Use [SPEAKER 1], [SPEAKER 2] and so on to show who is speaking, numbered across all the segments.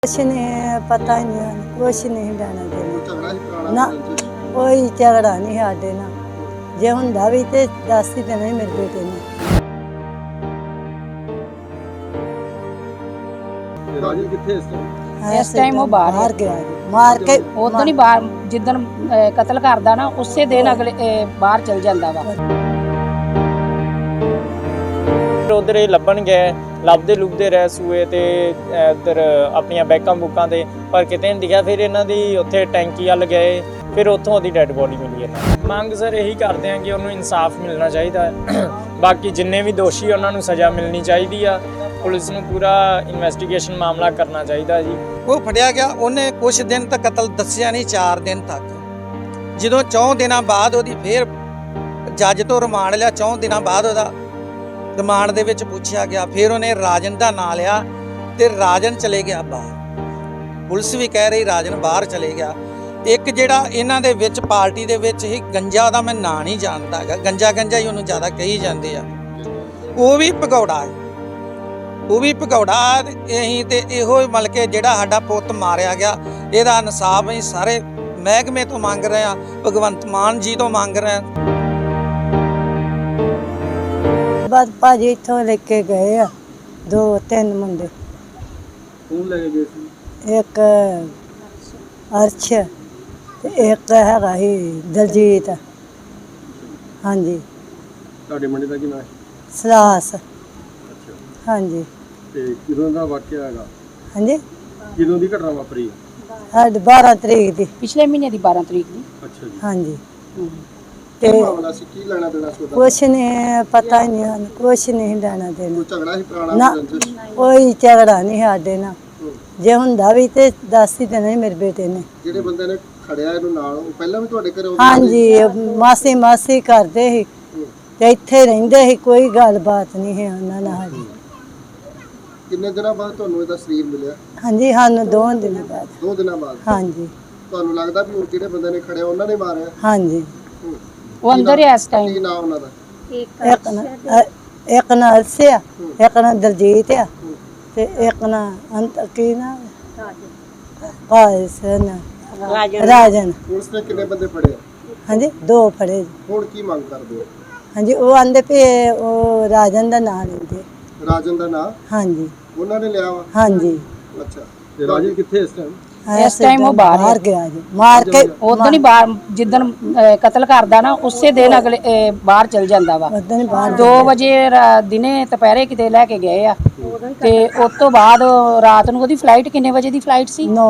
[SPEAKER 1] कुछ नहीं पता ही नहीं, कुछ नहीं लेना देना ना,
[SPEAKER 2] झगड़ा
[SPEAKER 1] कोई झगड़ा नहीं साडे ना। जे हुंदा भी ते दस ही देना ही मेरे बेटे ने।
[SPEAKER 2] राजू किथे
[SPEAKER 3] इस टाइम वो बाहर
[SPEAKER 1] गया जी, मार के
[SPEAKER 3] उਦੋਂ ही बाहर जिदन कतल करदा ना उसे दिन अगले बाहर चल जांदा वा।
[SPEAKER 4] उधर ये लभन गए ਲੱਭਦੇ ਲੁਭਦੇ ਰਹਿ ਸੂਏ ਤੇ ਇੱਧਰ ਆਪਣੀਆਂ ਬੈਕਾਂ ਬੁੱਕਾਂ ਤੇ ਪਰ ਕਿਤੇ ਨਹੀਂ ਦਿਖਿਆ। ਫਿਰ ਇਹਨਾਂ ਦੀ ਉੱਥੇ ਟੈਂਕੀ ਵੱਲ ਗਏ, ਫਿਰ ਉੱਥੋਂ ਉਹਦੀ ਡੈੱਡ ਬੋਡੀ ਮਿਲੀ ਹੈ। ਮੰਗ ਸਰ ਇਹੀ ਕਰਦੇ ਹਾਂ ਕਿ ਉਹਨੂੰ ਇਨਸਾਫ ਮਿਲਣਾ ਚਾਹੀਦਾ ਹੈ। ਬਾਕੀ ਜਿੰਨੇ ਵੀ ਦੋਸ਼ੀ ਉਹਨਾਂ ਨੂੰ ਸਜ਼ਾ ਮਿਲਣੀ ਚਾਹੀਦੀ ਆ। ਪੁਲਿਸ ਨੂੰ ਪੂਰਾ ਇਨਵੈਸਟੀਗੇਸ਼ਨ ਮਾਮਲਾ ਕਰਨਾ ਚਾਹੀਦਾ ਜੀ।
[SPEAKER 5] ਉਹ ਫੜਿਆ ਗਿਆ, ਉਹਨੇ ਕੁਝ ਦਿਨ ਤੱਕ ਕਤਲ ਦੱਸਿਆ ਨਹੀਂ, 4 ਦਿਨ ਤੱਕ। ਜਦੋਂ 4 ਦਿਨਾਂ ਬਾਅਦ ਉਹਦੀ ਫੇਰ ਜੱਜ ਤੋਂ ਰਿਮਾਂਡ ਲਿਆ, 4 ਦਿਨਾਂ ਬਾਅਦ ਉਹਦਾ ਰਿਮਾਂਡ ਦੇ ਵਿੱਚ ਪੁੱਛਿਆ ਗਿਆ। ਫਿਰ ਉਹਨੇ ਰਾਜਨ ਦਾ ਨਾਂ ਲਿਆ ਤੇ ਰਾਜਨ ਚਲੇ ਗਿਆ ਬਾਹਰ। ਪੁਲਿਸ ਵੀ ਕਹਿ ਰਹੀ ਰਾਜਨ ਬਾਹਰ ਚਲੇ ਗਿਆ। ਇੱਕ ਜਿਹੜਾ ਇਹਨਾਂ ਦੇ ਵਿੱਚ ਪਾਰਟੀ ਦੇ ਵਿੱਚ ਹੀ ਗੰਜਾ, ਉਹਦਾ ਮੈਂ ਨਾਂ ਨਹੀਂ ਜਾਣਦਾ ਹੈਗਾ, ਗੰਜਾ ਹੀ ਉਹਨੂੰ ਜ਼ਿਆਦਾ ਕਹੀ ਜਾਂਦੇ ਆ, ਉਹ ਵੀ ਭਗੌੜਾ ਹੈ, ਉਹ ਵੀ ਭਗੌੜਾ। ਅਸੀਂ ਤੇ ਇਹੋ ਮਤਲਬ ਕਿ ਜਿਹੜਾ ਸਾਡਾ ਪੁੱਤ ਮਾਰਿਆ ਗਿਆ, ਇਹਦਾ ਇਨਸਾਫ ਅਸੀਂ ਸਾਰੇ ਮਹਿਕਮੇ ਤੋਂ ਮੰਗ ਰਹੇ ਹਾਂ, ਭਗਵੰਤ ਮਾਨ ਜੀ ਤੋਂ ਮੰਗ ਰਹੇ ਹਾਂ।
[SPEAKER 1] बस भाजी इत्थों लेके गए आ 2-3 मुंडे।
[SPEAKER 2] कौन लेके गए सी?
[SPEAKER 1] एक अर्श ते एक हैगा ही दलजीत। हाँ जी।
[SPEAKER 2] ਤੁਹਾਡੇ ਮੁੰਡੇ ਦਾ ਕੀ ਨਾਮ ਹੈ?
[SPEAKER 1] सलास।
[SPEAKER 2] ਅੱਛਾ
[SPEAKER 1] हाँ जी।
[SPEAKER 2] ਤੇ ਕਿਦੋਂ ਦਾ ਵਾਕਿਆ ਹੈਗਾ?
[SPEAKER 1] हाँ जी।
[SPEAKER 2] ਕਿਦੋਂ ਦੀ ਘਟਨਾ ਵਾਪਰੀ ਹੈ?
[SPEAKER 1] आज 12 तरीक दी।
[SPEAKER 3] ਪਿਛਲੇ ਮਹੀਨੇ ਦੀ 12 ਤਰੀਕ ਦੀ।
[SPEAKER 2] ਅੱਛਾ ਜੀ।
[SPEAKER 1] हाँ जी।
[SPEAKER 2] ਕੀ ਮਾਮਲਾ ਸੀ? ਕੀ ਲੈਣਾ ਦੇਣਾ ਸੀ ਉਹਦਾ?
[SPEAKER 1] कुछ नहीं पता ही नहीं, कुछ नहीं लेना देना
[SPEAKER 2] ਕੋਈ ਝਗੜਾ ਸੀ ਪੁਰਾਣਾ
[SPEAKER 1] ना,
[SPEAKER 2] ਕੋਈ ਰੰਜਿਸ਼?
[SPEAKER 1] कोई झगड़ा नहीं साडे ना। जे हुंदा भी ते दस ही देना ही मेरे बेटे ने।
[SPEAKER 2] ਜਿਹੜੇ ਬੰਦੇ ਨੇ ਖੜਿਆ ਇਹਨੂੰ ਨਾਲ, ਉਹ ਪਹਿਲਾਂ ਵੀ ਤੁਹਾਡੇ ਘਰੇ ਆਉਂਦੇ
[SPEAKER 1] हाँ जी, मासी करते ही ते इत्थे रहिंदे ही, कोई गलबात नहीं है उन्हां नाल जी।
[SPEAKER 2] ਕਿੰਨੇ ਦਿਨਾਂ ਬਾਅਦ ਤੁਹਾਨੂੰ ਇਹਦਾ ਸਰੀਰ ਮਿਲਿਆ?
[SPEAKER 1] हाँ जी, सानू 2 दिन बाद।
[SPEAKER 2] 2 ਦਿਨਾਂ ਬਾਅਦ।
[SPEAKER 1] हाँ जी।
[SPEAKER 2] ਤੁਹਾਨੂੰ ਲੱਗਦਾ ਵੀ ਉਹ ਜਿਹੜੇ ਬੰਦੇ ਨੇ ਖੜਿਆ ਉਹਨਾਂ ਨੇ ਮਾਰਿਆ?
[SPEAKER 1] हाँ जी।
[SPEAKER 3] ਉਹ ਅੰਦਰ ਹੀ ਇਸ ਟਾਈਮ।
[SPEAKER 2] ਕੀ ਨਾਮ ਉਹਨਾਂ ਦਾ?
[SPEAKER 1] एक ना अर्श आ, एक ना दलजीत आ ते एक ना अंत की ना कायस ना राजन।
[SPEAKER 2] ਪੁਲਿਸ ਨੇ ਕਿੰਨੇ ਬੰਦੇ ਫੜੇ?
[SPEAKER 1] हाँ जी, 2 फड़े जी।
[SPEAKER 2] ਹੁਣ ਕੀ ਮੰਗ ਕਰਦੇ ਹੋ?
[SPEAKER 1] हाँ जी, वो आंदे पे वो राजन दा नाम लेंदे।
[SPEAKER 2] ਰਾਜਨ ਦਾ ਨਾਂ
[SPEAKER 1] हाँ जी।
[SPEAKER 2] ਉਹਨਾਂ ਨੇ ਲਿਆ ਵਾ?
[SPEAKER 1] हाँ जी।
[SPEAKER 2] ਅੱਛਾ। ਤੇ ਰਾਜਨ ਕਿੱਥੇ ਇਸ ਟਾਈਮ?
[SPEAKER 3] ਇਸ ਟਾਈਮ ਉਹ ਬਾਹਰ
[SPEAKER 1] गया जी, मार के
[SPEAKER 3] ਉਦੋਂ ਹੀ ਬਾਹਰ ਜਿੱਦਣ ਕਤਲ ਕਰਦਾ ਨਾ ਉਸੇ ਦਿਨ ਅਗਲੇ ਬਾਹਰ ਚਲ ਜਾਂਦਾ ਵਾ।
[SPEAKER 1] उधर ही बाहर
[SPEAKER 3] 2 ਵਜੇ ਦਿਨੇ ਦੁਪਹਿਰੇ ਕਿਤੇ ਲੈ ਕੇ ਗਏ ਆ ਤੇ ਉਸ ਤੋਂ ਬਾਅਦ ਰਾਤ ਨੂੰ ਉਹਦੀ ਫਲਾਈਟ ਕਿੰਨੇ ਵਜੇ ਦੀ ਫਲਾਈਟ ਸੀ?
[SPEAKER 1] 9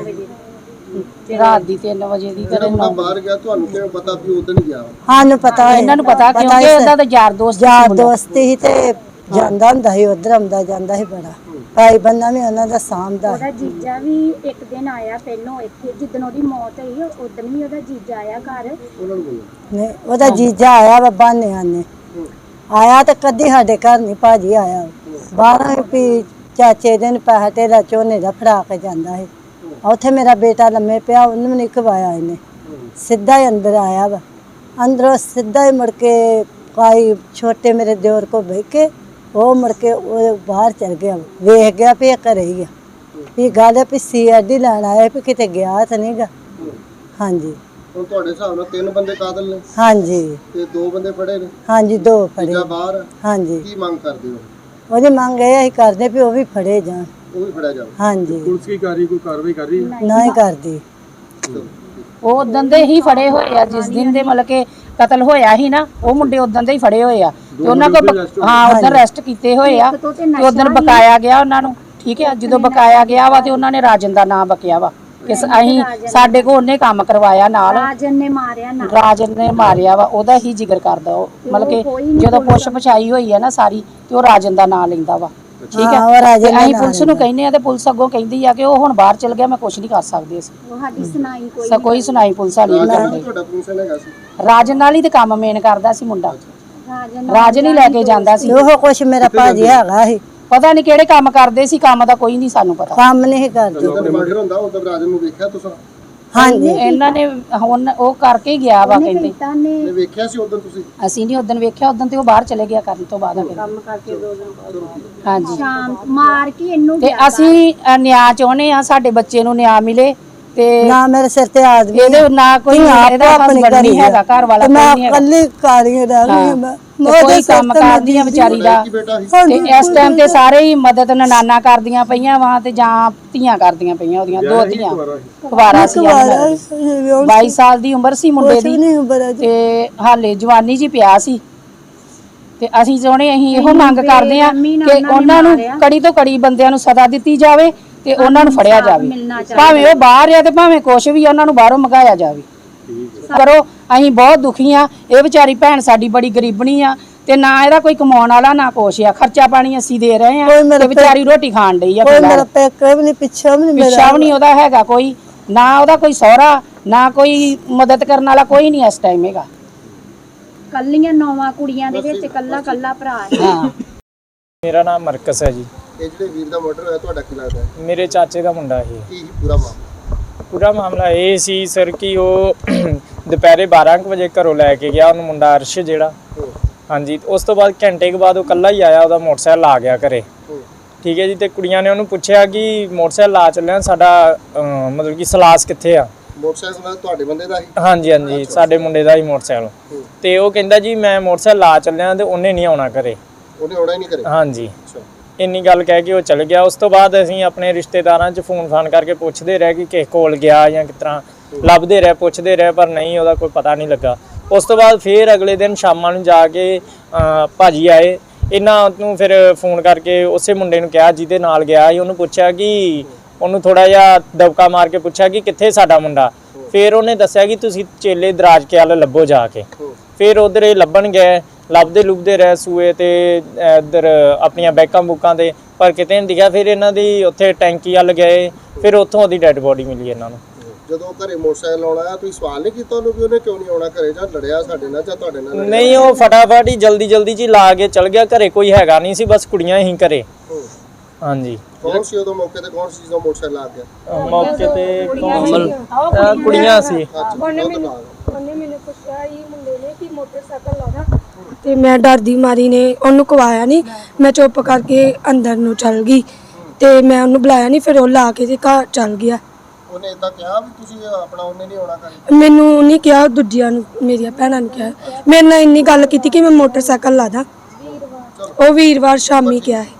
[SPEAKER 3] ਰਾਤ ਦੀ 3 ਵਜੇ ਦੀ।
[SPEAKER 2] ਜਿਹੜਾ ਮੁੰਡਾ ਬਾਹਰ ਗਿਆ ਤੁਹਾਨੂੰ ਕਿਵੇਂ ਪਤਾ ਵੀ ਉਦੋਂ ਨਹੀਂ ਗਿਆ?
[SPEAKER 1] ਸਾਨੂੰ ਪਤਾ ਹੈ,
[SPEAKER 3] ਇਹਨਾਂ ਨੂੰ ਪਤਾ ਕਿਉਂਕਿ ਉਹਦਾ ਤਾਂ ਯਾਰ ਦੋਸਤ ਸੀ
[SPEAKER 1] ਯਾਰ
[SPEAKER 3] ਮੁੰਡਾ।
[SPEAKER 1] ਦੋਸਤ ਹੀ ਤੇ ਜਾਂਦਾ ਹੁੰਦਾ ਸੀ, ਉਧਰ ਆਉਂਦਾ ਜਾਂਦਾ ਸੀ ਬੜਾ। ਭਾਈ ਬੰਦਾ ਵੀ ਉਹਨਾਂ ਦਾ ਸਾਂਭਦਾ।
[SPEAKER 6] ਉਹਦਾ ਜੀਜਾ ਵੀ ਇੱਕ ਦਿਨ ਆਇਆ ਪਹਿਲੋਂ ਇੱਥੇ, ਜਿੱਦਣ ਉਹਦੀ ਮੌਤ ਹੋਈ ਉਦੋਂ ਵੀ ਉਹਦਾ ਜੀਜਾ ਆਇਆ ਘਰ।
[SPEAKER 2] ਉਹਨਾਂ ਨੂੰ ਬੋਲੋ।
[SPEAKER 1] ਨਹੀਂ, ਉਹਦਾ ਜੀਜਾ ਆਇਆ ਵਾ ਬਾਨਿਆਂ ਨੇ ਆਇਆ ਤੇ ਕਦੀ ਸਾਡੇ ਘਰ ਨਹੀਂ ਭਾਜੀ ਆਇਆ। 12 ਵੀ ਚਾਚੇ ਦੇ ਪੈਸੇ ਤੇਰਾ ਝੋਨੇ ਦਾ ਫੜਾ ਕੇ ਜਾਂਦਾ ਸੀ। ਉੱਥੇ ਮੇਰਾ ਬੇਟਾ ਲੰਮੇ ਪਿਆ, ਉਹਨੂੰ ਨਹੀਂ ਖਵਾਇਆ ਇਹਨੇ, ਸਿੱਧਾ ਹੀ ਅੰਦਰ ਆਇਆ ਵਾ। ਅੰਦਰੋਂ ਸਿੱਧਾ ਹੀ ਮੁੜ ਕੇ ਕਾਈ ਛੋਟੇ ਮੇਰੇ ਦਿਓਰ ਕੋ ਬਹਿ ਕੇ ਉਹ ਮੁੜ ਕੇ ਉਹ ਬਾਹਰ ਚਲ ਗਿਆ, ਵੇਖ ਗਿਆ ਵੀ ਇਹ ਘਰੇ ਹੀ ਆ, ਵੀ ਗੱਲ ਵੀ CID ਲੈਣ ਆਇਆ ਵੀ ਕਿਤੇ ਗਿਆ ਤਾਂ ਨਹੀਂਗਾ। ਹਾਂਜੀ।
[SPEAKER 2] ਹੁਣ ਤੁਹਾਡੇ ਹਿਸਾਬ ਨਾਲ 3 ਬੰਦੇ ਕਾਤਲ ਨੇ
[SPEAKER 1] ਹਾਂਜੀ।
[SPEAKER 2] ਤੇ 2 ਬੰਦੇ ਫੜੇ ਨੇ?
[SPEAKER 1] ਹਾਂਜੀ, 2 ਫੜੇ।
[SPEAKER 2] ਤੀਜਾ ਬਾਹਰ ਆ।
[SPEAKER 1] ਹਾਂਜੀ।
[SPEAKER 2] ਕੀ ਮੰਗ ਕਰਦੇ ਹੋ?
[SPEAKER 1] ਉਹਦੀ ਮੰਗ ਇਹ ਅਸੀਂ ਕਰਦੇ ਵੀ ਉਹ ਵੀ ਫੜੇ ਜਾਣ।
[SPEAKER 2] ਉਹ ਵੀ ਫੜਿਆ ਜਾਵੇ।
[SPEAKER 1] ਹਾਂਜੀ।
[SPEAKER 2] ਪੁਲਿਸ ਕੀ ਕਰ ਰਹੀ, ਕੋਈ ਕਾਰਵਾਈ ਕਰ ਰਹੀ ਹੈ?
[SPEAKER 1] ਨਾ ਹੀ ਕਰਦੀ।
[SPEAKER 3] ਉਹ ਉਦੋਂ ਦੇ ਹੀ ਫੜੇ ਹੋਏ ਆ ਜਿਸ ਦਿਨ ਦੇ ਮਤਲਬ ਕਿ ਕਤਲ ਹੋਇਆ ਸੀ ਨਾ, ਉਹ ਮੁੰਡੇ ਉਦੋਂ ਦੇ ਹੀ ਫੜੇ ਹੋਏ ਆ ਤੇ ਉਹਨਾਂ ਕੋਲ ਉਦੋਂ ਅਰੈਸਟ ਕੀਤੇ ਹੋਏ ਆ ਤੇ ਉਦੋਂ ਬਕਾਇਆ ਗਿਆ ਉਹਨਾਂ ਨੂੰ। ਠੀਕ ਹੈ, ਜਦੋਂ ਬਕਾਇਆ ਗਿਆ ਵਾ ਤੇ ਉਹਨਾਂ ਨੇ ਰਾਜਨ ਦਾ ਨਾਮ ਬਕਿਆ ਵਾ ਕਿ ਅਸੀਂ ਸਾਡੇ ਕੋਲ ਉਹਨੇ ਕੰਮ ਕਰਵਾਇਆ ਨਾਲ।
[SPEAKER 6] ਰਾਜਨ ਨੇ ਮਾਰਿਆ ਨਾ,
[SPEAKER 3] ਰਾਜਨ ਨੇ ਮਾਰਿਆ ਵਾ, ਉਹਦਾ ਹੀ ਜ਼ਿਕਰ ਕਰਦਾ ਉਹ। ਮਤਲਬ ਕਿ ਜਦੋਂ ਪੁੱਛ ਪਛਾਈ ਹੋਈ ਹੈ ਨਾ ਸਾਰੀ ਤੇ ਉਹ ਰਾਜਨ ਦਾ ਨਾਮ ਲੈਂਦਾ ਵਾ। ਠੀਕ ਹੈ, ਅਸੀਂ ਪੁਲਿਸ ਨੂੰ ਕਹਿੰਦੇ ਆ ਤੇ ਪੁਲਿਸ ਅੱਗੋਂ ਕਹਿੰਦੀ ਆ ਕਿ ਉਹ ਹੁਣ ਬਾਹਰ ਚਲ ਗਿਆ, ਮੈਂ ਕੁਝ ਨਹੀਂ ਕਰ ਸਕਦੀ। ਅਸੀਂ
[SPEAKER 6] ਉਹ ਸਾਡੀ ਸੁਣਾਈ
[SPEAKER 3] ਕੋਈ ਸੁਣਾਈ ਪੁਲਿਸ ਵਾਲੀ ਨਹੀਂ ਕਰਦੀ।
[SPEAKER 2] ਤੁਹਾਡਾ ਫੰਕਸ਼ਨ ਹੈਗਾ ਸੀ?
[SPEAKER 3] ਰਾਜਨ ਨਾਲ ਹੀ ਤੇ ਕੰਮ ਮੇਨ ਕਰਦਾ ਸੀ ਮੁੰਡਾ,
[SPEAKER 6] ਰਾਜਨ
[SPEAKER 3] ਰਾਜਨ ਹੀ ਲੈ ਕੇ ਜਾਂਦਾ ਸੀ।
[SPEAKER 1] ਉਹ ਕੁਛ ਮੇਰਾ ਭਾਜੀ ਹੈਗਾ ਸੀ,
[SPEAKER 3] ਪਤਾ ਨਹੀਂ ਕਿਹੜੇ ਕੰਮ ਕਰਦੇ ਸੀ, ਕੰਮ ਦਾ ਕੋਈ ਨਹੀਂ ਸਾਨੂੰ ਪਤਾ।
[SPEAKER 1] ਕੰਮ ਨਹੀਂ ਕਰਦੇ।
[SPEAKER 2] ਜਦੋਂ ਮਰਡਰ ਹੁੰਦਾ ਉਦੋਂ ਰਾਜਨ ਨੂੰ ਵੇਖਿਆ ਤੁਸੀਂ?
[SPEAKER 1] ਹਾਂਜੀ
[SPEAKER 3] ਇਹਨਾਂ ਨੇ ਹੁਣ ਉਹ ਕਰਕੇ ਹੀ ਗਿਆ ਵਾ ਕਹਿੰਦੇ।
[SPEAKER 6] ਕੀਤਾ ਨੇ
[SPEAKER 2] ਨੇ ਵੇਖਿਆ ਸੀ ਉਦੋਂ ਤੁਸੀਂ?
[SPEAKER 3] ਅਸੀਂ ਨਹੀਂ ਉਦੋਂ ਵੇਖਿਆ, ਉਦੋਂ ਤੇ ਉਹ ਬਾਹਰ ਚਲੇ ਗਿਆ ਕਰਨ ਤੋਂ ਬਾਅਦ ਕੰਮ ਕਰਕੇ 2 ਦਿਨ ਬਾਅਦ। ਹਾਂਜੀ
[SPEAKER 6] ਸ਼ਾਮ ਮਾਰ ਕੇ ਇਹਨੂੰ
[SPEAKER 3] ਤੇ ਅਸੀਂ ਨਿਆਂ ਚਾਹੁੰਦੇ ਆ, ਸਾਡੇ ਬੱਚੇ ਨੂੰ ਨਿਆਂ ਮਿਲੇ ਤੇ
[SPEAKER 1] ਨਾ ਮੇਰੇ ਸਿਰ ਤੇ ਆਦਮੀ
[SPEAKER 3] ਇਹਦੇ ਨਾ ਕੋਈ ਇਹਦਾ ਹਸਬੰਡ ਨਹੀਂ ਹੈਗਾ, ਘਰ ਵਾਲਾ ਕੋਈ
[SPEAKER 1] ਮੈਂ
[SPEAKER 3] ਨਹੀਂ ਹੈਗਾ,
[SPEAKER 1] ਇਕੱਲੀ ਕਾਰੀ ਰਹਿ ਗਈ ਹਾਂ ਮੈਂ।
[SPEAKER 3] ਤੇ ਕੋਈ ਕੰਮ ਕਰਦੀਆਂ ਵਿਚਾਰੀ ਦਾ।
[SPEAKER 2] ਕੀ ਬੇਟਾ ਸੀ?
[SPEAKER 3] ਤੇ ਇਸ ਟਾਈਮ ਤੇ ਸਾਰੇ ਹੀ ਮਦਦ ਨਨਾਨਾ ਕਰਦੀਆਂ ਪਈਆਂ ਵਾ ਤੇ ਜਾਂ ਧੀਆਂ ਕਰਦੀਆਂ ਪਈਆਂ, ਉਹਦੀਆਂ 2 ਧੀਆਂ ਕੁਵਾਰਾ ਸੀ। 22 ਸਾਲ ਦੀ ਉਮਰ ਸੀ ਮੁੰਡੇ ਦੀ
[SPEAKER 1] ਨਹੀਂ ਉਬਰ ਅਜੇ।
[SPEAKER 3] ਤੇ ਹਾਲੇ ਜਵਾਨੀ ਜੀ ਪਿਆ ਸੀ। ਤੇ ਅਸੀਂ ਇਹੋ ਮੰਗ ਕਰਦੇ ਆ ਕਿ ਉਹਨਾਂ ਨੂੰ ਕੜੀ ਤੋਂ ਕੜੀ ਬੰਦਿਆਂ ਨੂੰ ਸਜ਼ਾ ਦਿੱਤੀ ਜਾਵੇ ਤੇ ਉਹਨਾਂ ਨੂੰ ਫੜਿਆ ਜਾਵੇ, ਭਾਵੇਂ ਉਹ ਬਾਹਰ ਆ ਤੇ ਭਾਵੇਂ ਕੁਛ ਵੀ, ਉਹਨਾਂ ਨੂੰ ਬਾਹਰੋਂ ਮੰਗਾਇਆ ਜਾਵੇ। ਕਰੋ, ਅਸੀਂ ਬਹੁਤ ਦੁਖੀ ਆ। ਇਹ ਵਿਚਾਰੀ ਭੈਣ ਸਾਡੀ ਬੜੀ ਗਰੀਬਣੀ ਆ ਤੇ ਨਾ ਇਹਦਾ ਕੋਈ ਕਮਾਉਣ ਵਾਲਾ ਨਾ ਕੁਛ ਆ, ਖਰਚਾ ਪਾਣੀ ਅਸੀਂ ਦੇ ਰਹੇ ਆ ਤੇ ਵਿਚਾਰੀ ਰੋਟੀ ਖਾਣ ਡਈ ਆ।
[SPEAKER 1] ਕੋਈ ਮੇਰਾ ਪੇਕੇ ਵੀ ਨਹੀਂ, ਪਿੱਛਾ ਵੀ ਨਹੀਂ ਮੇਰਾ,
[SPEAKER 3] ਪਿੱਛਾ ਵੀ ਨਹੀਂ ਉਹਦਾ ਹੈਗਾ ਕੋਈ, ਨਾ ਉਹਦਾ ਕੋਈ ਸਹੁਰਾ, ਨਾ ਕੋਈ ਮਦਦ ਕਰਨ ਵਾਲਾ ਕੋਈ ਨਹੀਂ ਇਸ ਟਾਈਮ ਹੈਗਾ।
[SPEAKER 6] ਕੱਲੀਆਂ 9 ਕੁੜੀਆਂ ਦੇ ਵਿੱਚ ਕੱਲਾ ਭਰਾ ਹੈ।
[SPEAKER 3] ਹਾਂ,
[SPEAKER 4] ਮੇਰਾ ਨਾਮ ਮਰਕਸ ਹੈ ਜੀ।
[SPEAKER 2] ਇਹ ਜਿਹੜੇ ਵੀਰ ਦਾ ਮਰਡਰ ਹੋਇਆ ਤੁਹਾਡਾ ਕੀ ਲੱਗਦਾ ਹੈ?
[SPEAKER 4] ਮੇਰੇ ਚਾਚੇ ਦਾ ਮੁੰਡਾ ਇਹ।
[SPEAKER 2] ਕੀ ਸੀ ਪੂਰਾ ਮਾਮਲਾ?
[SPEAKER 4] ਪੂਰਾ ਮਾਮਲਾ ਇਹ ਸੀ ਸਰ ਕਿ ਉਹ ਦੁਪਹਿਰੇ 12 ਕੁ ਵਜੇ ਘਰੋਂ ਲੈ ਕੇ ਗਿਆ ਉਹਨੂੰ, ਮੁੰਡਾ ਅਰਸ਼ ਜਿਹੜਾ। ਹਾਂਜੀ, ਉਸ ਤੋਂ ਬਾਅਦ ਘੰਟੇ ਕੁ ਬਾਅਦ ਉਹ ਇਕੱਲਾ ਹੀ ਆਇਆ, ਉਹਦਾ ਮੋਟਰਸਾਈਕਲ ਆ ਗਿਆ ਘਰੇ। ਠੀਕ ਹੈ ਜੀ। ਤੇ ਕੁੜੀਆਂ ਨੇ ਉਹਨੂੰ ਪੁੱਛਿਆ ਕਿ ਮੋਟਰਸਾਈਕਲ ਲਾ ਚੱਲਿਆ, ਸਾਡਾ ਮਤਲਬ ਕਿ ਸਲਾਸ ਕਿੱਥੇ ਆ?
[SPEAKER 2] ਮੋਟਰਸਾਈਕਲ ਤੁਹਾਡੇ ਬੰਦੇ ਦਾ ਸੀ?
[SPEAKER 4] ਹਾਂਜੀ ਹਾਂਜੀ, ਸਾਡੇ ਮੁੰਡੇ ਦਾ ਹੀ ਮੋਟਰਸਾਈਕਲ। ਤੇ ਉਹ ਕਹਿੰਦਾ ਜੀ ਮੈਂ ਮੋਟਰਸਾਈਕਲ ਲਾ ਚੱਲਿਆ ਤੇ ਉਹਨੇ ਨਹੀਂ ਆਉਣਾ ਘਰੇ।
[SPEAKER 2] ਉਹਨੇ ਆਉਣਾ ਹੀ ਨਹੀਂ ਕਰੇ?
[SPEAKER 4] ਹਾਂਜੀ, ਇੰਨੀ ਗੱਲ ਕਹਿ ਕੇ ਉਹ ਚਲ ਗਿਆ। ਉਸ ਤੋਂ ਬਾਅਦ ਅਸੀਂ ਆਪਣੇ ਰਿਸ਼ਤੇਦਾਰਾਂ 'ਚ ਫੋਨ ਫਾਨ ਕਰਕੇ ਪੁੱਛਦੇ ਰਹੇ ਕਿ ਕਿਸ ਕੋਲ ਗਿਆ ਜਾਂ ਕਿਸ ਤਰ੍ਹਾਂ, ਲੱਭਦੇ ਰਹੇ, ਪੁੱਛਦੇ ਰਹੇ, ਪਰ ਨਹੀਂ, ਉਹਦਾ ਕੋਈ ਪਤਾ ਨਹੀਂ ਲੱਗਾ। ਉਸ ਤੋਂ ਬਾਅਦ ਫਿਰ ਅਗਲੇ ਦਿਨ ਸ਼ਾਮਾਂ ਨੂੰ ਜਾ ਕੇ ਭਾਜੀ ਆਏ, ਇਹਨਾਂ ਨੂੰ ਫਿਰ ਫੋਨ ਕਰਕੇ ਉਸੇ ਮੁੰਡੇ ਨੂੰ ਕਿਹਾ ਜਿਹਦੇ ਨਾਲ ਗਿਆ ਸੀ, ਉਹਨੂੰ ਪੁੱਛਿਆ ਕਿ ਉਹਨੂੰ ਥੋੜਾ ਜਿਹਾ ਦਬਕਾ ਮਾਰ ਕੇ ਪੁੱਛਿਆ ਕਿ ਕਿੱਥੇ ਸਾਡਾ ਮੁੰਡਾ। ਫਿਰ ਉਹਨੇ ਦੱਸਿਆ ਕਿ ਤੁਸੀਂ ਚੇਲੇ ਦਰਾਜ ਕੇ ਵੱਲ ਲੱਭੋ ਜਾ ਕੇ। ਫਿਰ ਉਧਰ ਇਹ ਲੱਭਣ ਗਏ, ਲੱਭਦੇ ਰਹੇ ਸੂਏ ਤੇ ਇੱਧਰ ਆਪਣੀਆਂ ਬੈਕਾਂ ਬੁੱਕਾਂ ਤੇ, ਪਰ ਕਿਤੇ ਨਹੀਂ ਦਿਖਿਆ। ਫਿਰ ਇਹਨਾਂ ਦੀ ਉੱਥੇ ਟੈਂਕੀ ਵੱਲ ਗਏ, ਫਿਰ ਉੱਥੋਂ ਉਹਦੀ ਡੈੱਡ ਬੋਡੀ ਮਿਲੀ ਇਹਨਾਂ ਨੂੰ।
[SPEAKER 2] ਜਦੋਂ ਘਰੇ ਮੋਟਰਸਾਈਕਲ ਆਉਣਾ, ਤੁਸੀਂ ਸਵਾਲ ਨਹੀਂ ਕੀਤਾ ਉਹਨੂੰ ਵੀ ਉਹਨੇ ਕਿਉਂ ਨਹੀਂ ਆਉਣਾ ਘਰੇ, ਜਾਂ ਲੜਿਆ ਸਾਡੇ ਨਾਲ ਜਾਂ ਤੁਹਾਡੇ ਨਾਲ?
[SPEAKER 4] ਨਹੀਂ, ਉਹ ਫਟਾਫਟ ਹੀ ਜਲਦੀ ਜੀ ਲਾ ਕੇ ਚਲ ਗਿਆ। ਘਰੇ ਕੋਈ ਹੈਗਾ ਨਹੀਂ ਸੀ, ਬਸ ਕੁੜੀਆਂ ਹੀ ਘਰੇ। ਹਾਂਜੀ।
[SPEAKER 2] ਕੌਣ ਸੀ ਉਦੋਂ ਮੌਕੇ ਤੇ? ਕੌਣ ਸੀ ਜਦੋਂ ਮੋਟਰਸਾਈਕਲ ਆ ਗਿਆ
[SPEAKER 4] ਮੌਕੇ ਤੇ ਕੁੜੀਆਂ ਸੀ।
[SPEAKER 7] ਉਹਨੇ ਮੈਨੂੰ ਪੁੱਛਿਆ ਇਹ ਮੁੰਡੇ ਨੇ ਕਿ ਮੋਟਰਸਾਈਕਲ ਲਾਉਣਾ, ਤੇ ਮੈਂ ਡਰਦੀ ਮਾਰੀ ਨੇ ਉਹਨੂੰ ਕਵਾਇਆ ਨਹੀਂ, ਮੈਂ ਚੁੱਪ ਕਰਕੇ ਅੰਦਰ ਨੂੰ ਚਲ ਗਈ ਤੇ ਮੈਂ ਉਹਨੂੰ ਬੁਲਾਇਆ ਨਹੀਂ, ਫਿਰ ਉਹ ਲਾ ਕੇ ਤੇ ਘਰ ਚਲ ਗਿਆ।
[SPEAKER 2] ਉਹਨੇ ਇਦਾਂ ਕਿਹਾ ਵੀ ਤੁਸੀਂ ਆਪਣਾ ਉਹਨੇ ਨਹੀਂ ਆਉਣਾ ਘਰੇ?
[SPEAKER 7] ਮੈਨੂੰ ਨਹੀਂ ਕਿਹਾ, ਦੂਜਿਆਂ ਨੂੰ, ਮੇਰੀਆਂ ਭੈਣਾਂ ਨੂੰ ਕਿਹਾ। ਮੇਰੇ ਨਾਲ ਇੰਨੀ ਗੱਲ ਕੀਤੀ ਕਿ ਮੈਂ ਮੋਟਰਸਾਈਕਲ ਲਾ ਦਾਂ, ਉਹ ਵੀਰਵਾਰ ਸ਼ਾਮੀ ਕਿਹਾ ਹੈ।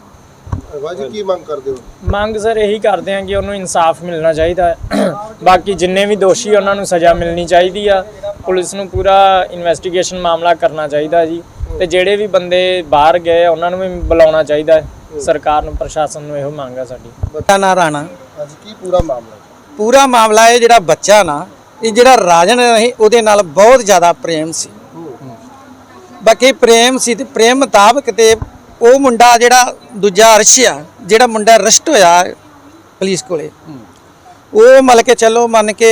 [SPEAKER 2] ਵਾਜੀ ਕੀ ਮੰਗ ਕਰਦੇ ਹੋ?
[SPEAKER 4] ਮੰਗ ਸਰ ਇਹੀ ਕਰਦੇ ਆ ਕਿ ਉਹਨੂੰ ਇਨਸਾਫ ਮਿਲਣਾ ਚਾਹੀਦਾ ਹੈ। ਬਾਕੀ ਜਿੰਨੇ ਵੀ ਦੋਸ਼ੀ ਉਹਨਾਂ ਨੂੰ ਸਜ਼ਾ ਮਿਲਣੀ ਚਾਹੀਦੀ ਆ। ਪੁਲਿਸ ਨੂੰ ਪੂਰਾ ਇਨਵੈਸਟੀਗੇਸ਼ਨ ਮਾਮਲਾ ਕਰਨਾ ਚਾਹੀਦਾ ਜੀ। ਤੇ ਜਿਹੜੇ ਵੀ ਬੰਦੇ ਬਾਹਰ ਗਏ ਉਹਨਾਂ ਨੂੰ ਵੀ ਬੁਲਾਉਣਾ ਚਾਹੀਦਾ ਹੈ। ਸਰਕਾਰ ਨੂੰ, ਪ੍ਰਸ਼ਾਸਨ ਨੂੰ ਇਹੋ ਮੰਗ ਆ ਸਾਡੀ।
[SPEAKER 5] ਬੱਚਾ ਨਾ ਰਾਣਾ।
[SPEAKER 2] ਅੱਜ ਕੀ ਪੂਰਾ ਮਾਮਲਾ?
[SPEAKER 5] ਪੂਰਾ ਮਾਮਲਾ ਇਹ ਜਿਹੜਾ ਬੱਚਾ ਨਾ, ਇਹ ਜਿਹੜਾ ਰਾਜਨ ਸੀ ਉਹਦੇ ਨਾਲ ਬਹੁਤ ਜ਼ਿਆਦਾ ਪ੍ਰੇਮ ਸੀ। ਬਾਕੀ ਪ੍ਰੇਮ ਸੀ ਤੇ ਪ੍ਰੇਮ ਮੁਤਾਬਕ ਤੇ ਉਹ ਮੁੰਡਾ ਜਿਹੜਾ ਦੂਜਾ ਅਰਸ਼ ਆ, ਜਿਹੜਾ ਮੁੰਡਾ ਅਰੈਸਟ ਹੋਇਆ ਪੁਲਿਸ ਕੋਲੇ, ਉਹ ਮਤਲਬ ਕੇ ਚਲੋ ਮੰਨ ਕੇ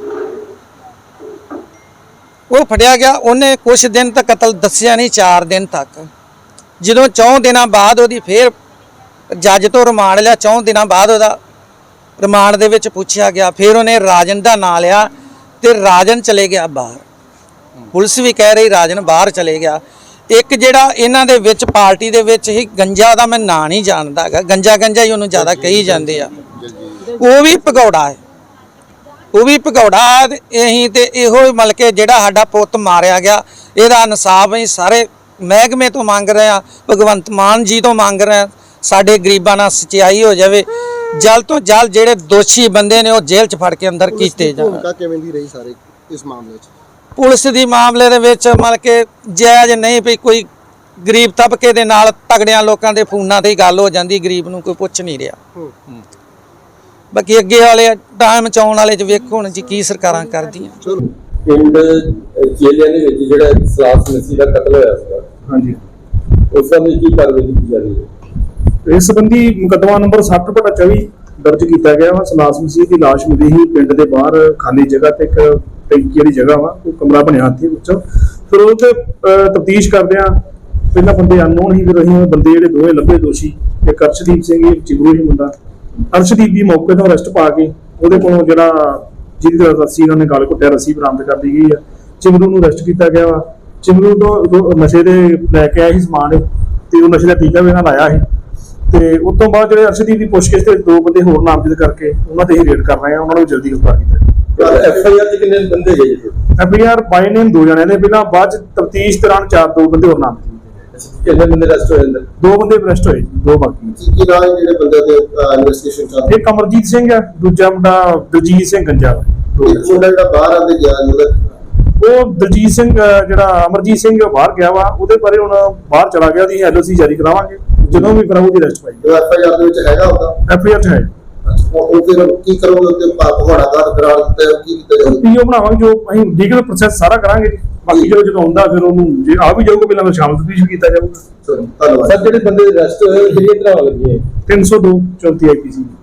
[SPEAKER 5] ਉਹ ਫੜਿਆ ਗਿਆ। ਉਹਨੇ ਕੁਝ ਦਿਨ ਤੱਕ ਕਤਲ ਦੱਸਿਆ ਨਹੀਂ, 4 ਦਿਨ ਤੱਕ। ਜਦੋਂ 4 ਦਿਨਾਂ ਬਾਅਦ ਉਹਦੀ ਫੇਰ ਜੱਜ ਤੋਂ ਰਿਮਾਂਡ ਲਿਆ, 4 ਦਿਨਾਂ ਬਾਅਦ ਉਹਦਾ ਰਿਮਾਂਡ ਦੇ ਵਿੱਚ ਪੁੱਛਿਆ ਗਿਆ। ਫਿਰ ਉਹਨੇ ਰਾਜਨ ਦਾ ਨਾਂ ਲਿਆ ਤੇ ਰਾਜਨ ਚਲੇ ਗਿਆ ਬਾਹਰ। ਪੁਲਿਸ ਵੀ ਕਹਿ ਰਹੀ ਰਾਜਨ ਬਾਹਰ ਚਲੇ ਗਿਆ। ਇੱਕ ਜਿਹੜਾ ਇਹਨਾਂ ਦੇ ਵਿੱਚ ਪਾਰਟੀ ਦੇ ਵਿੱਚ ਹੀ ਗੰਜਾ, ਦਾ ਮੈਂ ਨਾਂ ਨਹੀਂ ਜਾਣਦਾ ਹੈਗਾ, ਗੰਜਾ ਹੀ ਉਹਨੂੰ ਜ਼ਿਆਦਾ ਕਹੀ ਜਾਂਦੇ ਆ, ਉਹ ਵੀ ਭਗੌੜਾ ਹੈ। ਉਹ ਵੀ ਭਗੌੜਾ। ਅਸੀਂ ਤੇ ਇਹੋ ਮਤਲਬ ਕਿ ਜਿਹੜਾ ਸਾਡਾ ਪੁੱਤ ਮਾਰਿਆ ਗਿਆ, ਇਹਦਾ ਇਨਸਾਫ ਅਸੀਂ ਸਾਰੇ ਮਹਿਕਮੇ ਤੋਂ ਮੰਗ ਰਹੇ ਆ, ਭਗਵੰਤ ਮਾਨ ਜੀ ਤੋਂ ਮੰਗ ਰਹੇ ਆ। ਸਾਡੇ ਗਰੀਬਾਂ ਨਾਲ ਸਚਾਈ ਹੋ ਜਾਵੇ, ਜਲਦ ਤੋਂ ਜਲਦ ਜਿਹੜੇ ਦੋਸ਼ੀ ਬੰਦੇ ਨੇ ਉਹ ਜੇਲ੍ਹ 'ਚ ਫੜ ਕੇ ਅੰਦਰ ਕੀਤੇ ਜਾਣ।
[SPEAKER 2] ਭੂਮਿਕਾ ਕਿਵੇਂ ਦੀ ਰਹੀ ਸਾਰੇ ਇਸ ਮਾਮਲੇ 'ਚ?
[SPEAKER 5] ਪੁਲਿਸ ਦੀ ਮਾਮਲੇ ਦੇ ਵਿੱਚ ਮਤਲਬ ਕਿ ਜਾਇਜ਼ ਨਹੀਂ ਵੀ ਕੋਈ ਗਰੀਬ ਤਬਕੇ ਦੇ ਨਾਲ ਤਗੜਿਆਂ ਲੋਕਾਂ ਦੇ ਫੋਨਾਂ ਤੇ ਹੀ ਗੱਲ ਹੋ ਜਾਂਦੀ, ਗਰੀਬ ਨੂੰ ਕੋਈ ਪੁੱਛ ਨਹੀਂ ਰਿਹਾ। ਬਾਕੀ ਅੱਗੇ ਵਾਲੇ ਟਾਈਮ ਚ ਆਉਣ ਵਾਲੇ ਚ ਵੇਖੋ ਹੁਣ ਜੀ ਕੀ ਸਰਕਾਰਾਂ ਕਰਦੀਆਂ।
[SPEAKER 8] ਪਿੰਡ ਜੇਲਿਆਂ ਦੇ ਵਿੱਚ ਜਿਹੜਾ ਸਲਾਸ ਮਸੀਹ ਦਾ ਕਤਲ ਹੋਇਆ ਸੀ,
[SPEAKER 9] ਹਾਂਜੀ,
[SPEAKER 8] ਉਸ ਸੰਬੰਧੀ ਕੀ ਕਾਰਵਾਈ ਕੀਤੀ ਜਾ ਰਹੀ ਹੈ?
[SPEAKER 9] ਇਸ ਸੰਬੰਧੀ ਮੁਕੱਦਮਾ ਨੰਬਰ 60/24 ਦਰਜ ਕੀਤਾ ਗਿਆ ਵਾ। ਸਲਾਸ ਮਸੀਹ ਦੀ ਲਾਸ਼ ਮਿਲੀ ਸੀ ਪਿੰਡ ਦੇ ਬਾਹਰ ਖਾਲੀ ਜਗ੍ਹਾ ਤੇ, ਇੱਕ ਟੈਂਕੀ ਵਾਲੀ ਜਗ੍ਹਾ ਵਾ, ਉਹ ਕਮਰਾ ਬਣਿਆ ਉੱਥੇ ਵਿੱਚੋਂ। ਫਿਰ ਉਹ ਤੇ ਤਫਤੀਸ਼ ਕਰਦੇ ਆ, ਪਹਿਲਾਂ ਬੰਦੇ ਅਨਨੋਨ ਹੀ, ਫਿਰ ਅਸੀਂ ਉਹ ਬੰਦੇ ਜਿਹੜੇ ਦੋਵੇਂ ਲੱਭੇ ਦੋਸ਼ੀ, ਇੱਕ ਅਰਸ਼ਦੀਪ ਸਿੰਘ, ਇੱਕ ਚਿਗਰੂ ਹੀ ਮੁੰਡਾ। ਅਰਸ਼ਦੀਪ ਦੀ ਮੌਕੇ ਤੋਂ ਅਰੈਸਟ ਪਾ ਕੇ ਉਹਦੇ ਕੋਲੋਂ ਜਿਹੜਾ ਜਿਹਦੀ ਰੱਸੀ ਇਹਨਾਂ ਨੇ ਗਲ ਘੁੱਟਿਆ, ਰੱਸੀ ਬਰਾਮਦ ਕਰ ਲਈ ਗਈ ਆ। ਚਿਮਰੂ ਨੂੰ ਅਰੈਸਟ ਕੀਤਾ ਗਿਆ ਵਾ। ਚਿਮਰੂ ਤੋਂ ਨਸ਼ੇ ਦੇ ਲੈ ਕੇ ਆਇਆ ਸੀ ਸਮਾਨ, ਤੇ ਉਹ ਨਸ਼ੇ ਦਾ ਟੀਕਾ ਵੀ ਇਹਨਾਂ ਲਾਇਆ ਸੀ। ਤੇ ਉਸ ਤੋਂ ਬਾਅਦ ਜਿਹੜੇ ਅਰਸ਼ਦੀਪ ਦੀ ਪੁੱਛਗਿੱਛ ਤੇ 2 ਬੰਦੇ ਹੋਰ ਨਾਮਜ਼ਦ ਕਰਕੇ ਉਹਨਾਂ ਤੇ ਹੀ ਰੇਡ ਕਰ ਰਹੇ ਆ, ਉਹਨਾਂ ਨੂੰ ਜਲਦੀ ਗ੍ਰਿਫਤਾਰ ਕੀਤਾ।
[SPEAKER 8] FIR 'ਚ ਕਿੰਨੇ ਬੰਦੇ ਗਏ ਜੀ?
[SPEAKER 9] FIR ਬਾਈ ਨੇਮ 2 ਜਣਿਆਂ ਨੇ, ਪਹਿਲਾਂ ਬਾਅਦ ਚ ਤਫਤੀਸ਼ ਦੌਰਾਨ 2 ਬੰਦੇ ਹੋਰ ਨਾਮਜ਼ਦ ਕੀਤੇ।
[SPEAKER 8] ਕਿੰਨੇ ਬੰਦੇ ਅਰੈਸਟ ਹੋਏ ਅੰਦਰ?
[SPEAKER 9] 2 ਬੰਦੇ ਅਰੈਸਟ ਹੋਏ, 2 ਬਾਕੀ।
[SPEAKER 2] ਕੀ ਨਾਮ ਹੈ ਜਿਹੜੇ ਬੰਦੇ ਤੇ ਇਨਵੈਸਟੀਗੇਸ਼ਨ ਚੱਲ ਰਹੀ
[SPEAKER 9] ਇੱਕ ਅਮਰਜੀਤ ਸਿੰਘ ਹੈ, ਦੂਜਾ ਮੁੰਡਾ ਦਲਜੀਤ ਸਿੰਘ ਗੰਜਾ ਵਾ।
[SPEAKER 2] ਹੈ? ਇੱਕ ਮੁੰਡਾ ਜਿਹੜਾ ਬਾਹਰ ਆਂਦੇ ਗਿਆ ਉਹਦਾ
[SPEAKER 9] ਉਹ ਦਲਜੀਤ ਸਿੰਘ ਜਿਹੜਾ ਅਮਰਜੀਤ ਸਿੰਘ ਬਾਹਰ ਗਿਆ ਵਾ, ਉਹਦੇ ਬਾਰੇ ਹੁਣ ਬਾਹਰ ਚਲਾ ਗਿਆ, ਉਹਦੀ LOC ਜਾਰੀ ਕਰਾਵਾਂਗੇ ਜਦੋਂ ਵੀ ਫਿਰ ਉਹਦੀ ਅਰੈਸਟ ਪਾਈ।
[SPEAKER 2] FIR ਦੇ ਵਿੱਚ ਹੈਗਾ ਉਹਦਾ
[SPEAKER 9] FIR 'ਚ ਹੈ
[SPEAKER 2] ਉਹ ਫਿਰ ਕੀ ਕਰੋਗੇ ਉੱਤੇ ਪਹਾੜਾ ਕਰਾਰ ਦਿੱਤਾ ਹੈ, ਕੀ ਕੀਤਾ ਜਾਊਗਾ?
[SPEAKER 9] ਪੀਓ ਬਣਾਵਾਂਗੇ, ਜੋ ਅਸੀਂ ਲੀਗਲ ਪ੍ਰੋਸੈਸ ਸਾਰਾ ਕਰਾਂਗੇ। ਬਾਕੀ ਜਦੋਂ ਆਉਂਦਾ ਫਿਰ ਉਹਨੂੰ ਜੇ ਆ ਵੀ ਜਾਊਗਾ ਪਹਿਲਾਂ ਸ਼ਾਮਲ ਤਫਤੀਸ਼ ਕੀਤਾ ਜਾਊਗਾ।
[SPEAKER 2] ਧੰਨਵਾਦ।
[SPEAKER 8] ਸਰ ਜਿਹੜੇ ਬੰਦੇ ਅਰੈਸਟ ਹੋਏ ਕਿਹੜੀਆਂ ਧਾਰਾਵਾਂ ਲੱਗੀਆਂ?
[SPEAKER 9] 302 34 IPC